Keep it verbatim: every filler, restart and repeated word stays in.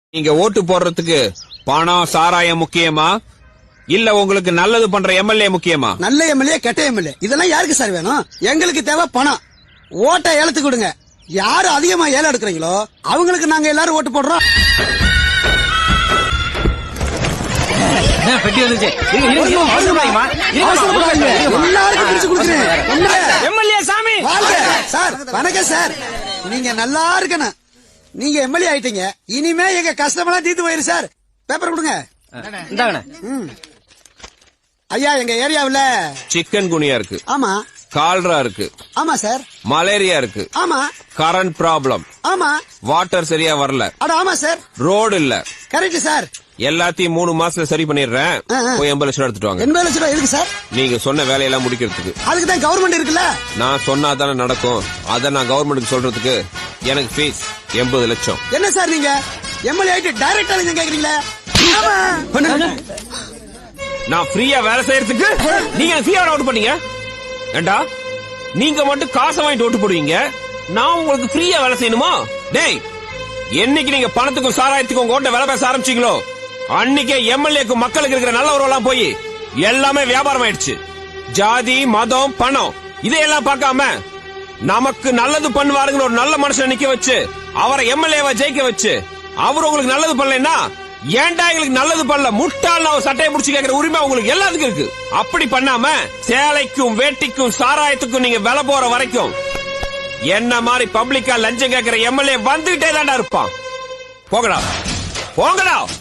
நீங்க ஓட்டு போடுறதுக்கு பணம் சாராயம் முக்கியமா இல்ல உங்களுக்கு நல்லது பண்ற எம்எல்ஏ முக்கியமா? நல்ல எம்எல்ஏ கெட்ட எம்எல்ஏ இதெல்லாம் யாருக்கு சார் வேணும்? எங்களுக்கு தேவை பணம். ஓட்டை ஏலத்துக்கு கொடுங்க. யாரு அதிகமா ஏலம் எடுக்கிறீங்களோ அவங்களுக்கு நாங்க எல்லாரும் ஓட்டு போடுறோம். பெட்டி வந்துச்சு. எல்லாருக்கும் பிரிச்சு கொடுக்குறேன். எம்எல்ஏ சாமி சார் வணக்கம் சார். நீங்க நல்லா இருக்கணும். நீங்க எம்எல்ஏ ஆயிட்டீங்க. இனிமே எங்க கஷ்டமெல்லாம் தீர்த்து போயிரு சார். பேப்பர் கொடுங்க. ஐயா எங்க ஏரியாவுல சிக்கன் குனியா இருக்கு. ஆமா. கால்ரா இருக்கு. ஆமா சார். மலேரியா இருக்கு. ஆமா. Current problem. ஆமா. வாட்டர் சரியா வரல. அட ஆமா சார். ரோடு இல்ல. Correct sir. எல்லாத்தையும் மூணு மாசத்துல சரி பண்ணிடுறேன். போய் எண்பது லட்சம் எடுத்துட்டு வாங்க. எண்பது லட்சம் ரூபாய் எதுக்கு சார்? நீங்க சொன்ன வேலையெல்லாம் முடிக்கிறதுக்கு. அதுக்கு தான் கவர்மெண்ட் இருக்குல்ல. நான் சொன்னா தானே நடக்கும். அத நான் கவர்மெண்ட்டுக்கு சொல்றதுக்கு எனக்கு ஃபீஸ் எண்பது லட்சம். என்ன சார் நீங்க எம்எல்ஏ ஆயிட்டு டைரக்டா நீங்க கேக்குறீங்களா? நான் ஃப்ரீயா வேலை செய்யறதுக்கு நீங்க ஃப்ரீயா ஓட்டு பண்ணீங்க. ஏண்டா நீங்க மட்டும் காசை வாங்கிட்டு ஓட்டு போடுவீங்க, நான் உங்களுக்கு ஃப்ரீயா வேலை செய்யணுமா? டேய், என்னைக்கு நீங்க பணத்துக்கும் சாராயத்துக்கும் உங்க ஓட்ட வேலை பேச ஆரம்பிச்சீங்களோ அன்னைக்கே எம்எல்ஏக்கு மக்களுக்கு இருக்கிற நல்ல உறவெல்லாம் போய் எல்லாமே வியாபாரம் ஆயிடுச்சு. ஜாதி மதம் பணம் இதையெல்லாம் பார்க்காம நமக்கு நல்லது பண்ணுவாருங்கிற ஒரு நல்ல மனுஷன் நிக்க வச்சு அவரை எம்எல்ஏவா ஜெயிக்க வச்சு அவர் உங்களுக்கு நல்லது பண்ணலன்னா ஏன்டா எங்களுக்கு நல்லது பண்ணல முட்டாள் அவர் சட்டையை பிடிச்சி கேட்கிற உரிமை உங்களுக்கு எல்லாத்துக்கும் இருக்கு. அப்படி பண்ணாம சேலைக்கும் வேட்டிக்கும் சாராயத்துக்கும் நீங்க விலை போற வரைக்கும் என்ன மாதிரி பப்ளிக்கா லஞ்சம் கேட்கிற எம்எல்ஏ வந்துகிட்டே தான்டா இருப்பான். போகடா போகடா.